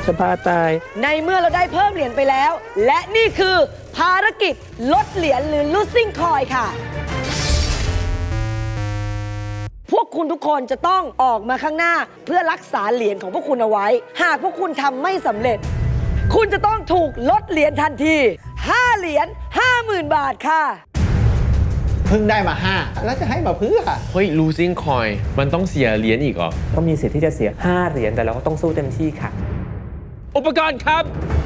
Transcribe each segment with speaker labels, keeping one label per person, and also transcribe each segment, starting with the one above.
Speaker 1: จะพาตาย
Speaker 2: ในเมื่อเราได้เพิ่มเหรียญไปแล้ว และนี่คือภารกิจลดเหรียญหรือ losing coin ค่ะ พวกคุณทุกคนจะต้องออกมาข้างหน้าเพื่อรักษาเหรียญของพวกคุณเอาไว้ หากพวกคุณทำไม่สำเร็จ คุณจะต้องถูกลดเหรียญทันที 5 เหรียญ 50,000 บาทค่ะ
Speaker 3: เพิ่งได้มา 5 แล้วจะให้มาเพื่อ
Speaker 4: เฮ้ย losing coin มันต้องเสียเหรียญอีกเหรอ
Speaker 1: ก็มีสิทธิ์ที่จะเสีย5เหรียญแต่เราก็ต้องสู้เต็มที่ค่ะ
Speaker 4: อุปกรณ์ครับ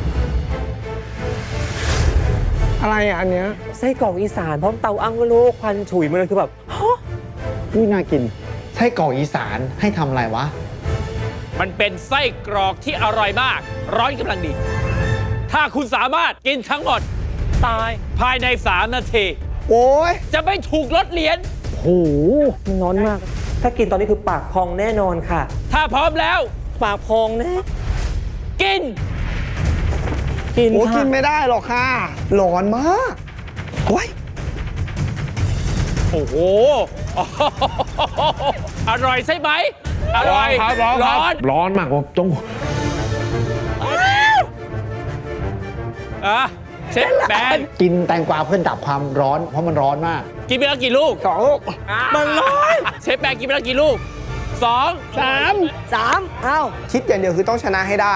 Speaker 5: อะไรอ่ะอันเนี้ย
Speaker 1: ไส้กรอกอีสานพร้อมเตาอั้งโลกควันฉุยมาเลยคือแบบฮะ
Speaker 3: อุ้ยน่ากินไส้กรอกอีสานให้ทำอะไรวะ
Speaker 6: มันเป็นไส้กรอกที่อร่อยมาก ร้อนกำลังดี ถ้าคุณสามารถกินทั้งหมด ตายภายใน 3 นาที
Speaker 5: โอ้ย
Speaker 6: จะไม่ถูกลดเหรียญ
Speaker 1: โหมันร้อนมาก ถ้ากินตอนนี้คือปากพองแน่นอนค่ะ
Speaker 6: ถ้าพร้อมแล้ว
Speaker 1: ปากพองแน่
Speaker 6: กิน
Speaker 1: กิน
Speaker 5: โอ้กิ
Speaker 1: ค่ะ
Speaker 5: นไม่ได้หรอกค่ะ ร้อนมากโอ้ย
Speaker 6: โอ้โห อร่อยใช่ไหม อร่อย ร้อน
Speaker 4: ร้อนมากผมต้อง
Speaker 6: อ่ะเชฟแบน
Speaker 3: กินแตงกวาเพื่อดับความร้อน เพราะมันร้อนมาก
Speaker 6: กินไปแล้วกี่ลูก
Speaker 5: 2 ลูก
Speaker 6: มันร้อน เชฟแบนกินไปแล้วกี่ลูก 2
Speaker 2: 3 เอา
Speaker 5: คิดอย่างเดียวคือต้องชนะให้ได้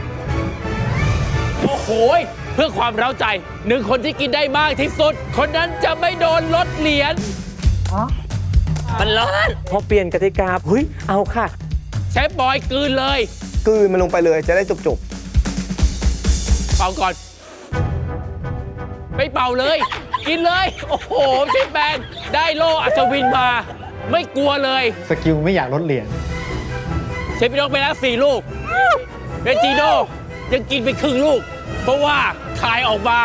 Speaker 6: โอ้โห เพื่อความเร้าใจ 1 คนที่กินได้มากที่สุด คนนั้นจะไม่โดนลดเหรียญมันร้อน
Speaker 1: พอเปลี่ยนกติกาเฮ้ยเอาค่ะ
Speaker 6: เชฟบอยกลืนเลย
Speaker 5: กลืนมันลงไปเลยจะได้จุก
Speaker 6: เป่าก่อน ไม่เป่าเลย กินเลย โอ้โห เชฟแบนได้โล่อัศวินมา ไม่กลัวเลย
Speaker 3: สกิลไม่อยากลดเหรียญ
Speaker 6: เชฟพี่น้องไปแล้ว4 ลูกเบจิโน่ยังกินไปครึ่งลูก เพราะว่าคายออกมา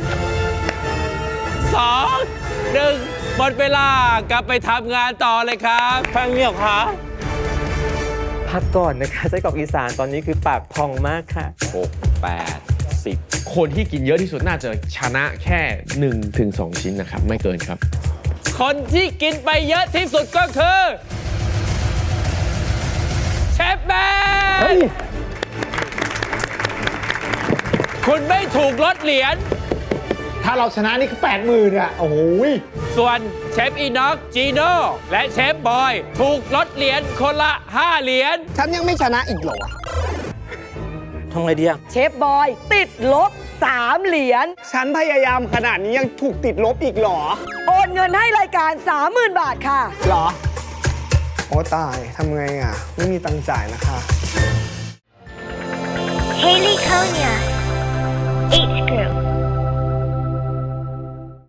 Speaker 6: 2 1 หมดเวลากลับไปทำงานต่อเลยครับฟังเงียบคะ
Speaker 1: พักก่อนนะคะไส้กรอกอีสานตอนนี้คือปากพองมากค่ะ
Speaker 4: 6 8 10 คนที่กินเยอะที่สุดน่าจะชนะแค่ 1-2 ชิ้นนะครับ ไม่เกินครับ
Speaker 6: คนที่กินไปเยอะที่สุดก็คือเชฟแบนคุณไม่ถูกลดเหรียญ
Speaker 3: ถ้าเราชนะนี่คือ 80,000อ่ะ โอ้โห
Speaker 6: ส่วนเชฟอีน็อกจีโน่และเชฟบอยถูกลดเหรียญคนละ 5 เหรียญ
Speaker 5: ๆ ฉันยังไม่ชนะอีกเหรอ
Speaker 1: ทำไงดีอะ
Speaker 2: เชฟบอยติดลบ 3 เหรียญ
Speaker 5: ฉันพยายามขนาดนี้ยังถูกติดลบอีกเหรอ
Speaker 2: โอนเงินให้รายการ 30,000 บาทค่ะ
Speaker 5: เหรอ โอ้ตายทำไงอ่ะ ไม่มีตังค์จ่ายนะคะ
Speaker 7: Haley Konya, H Group.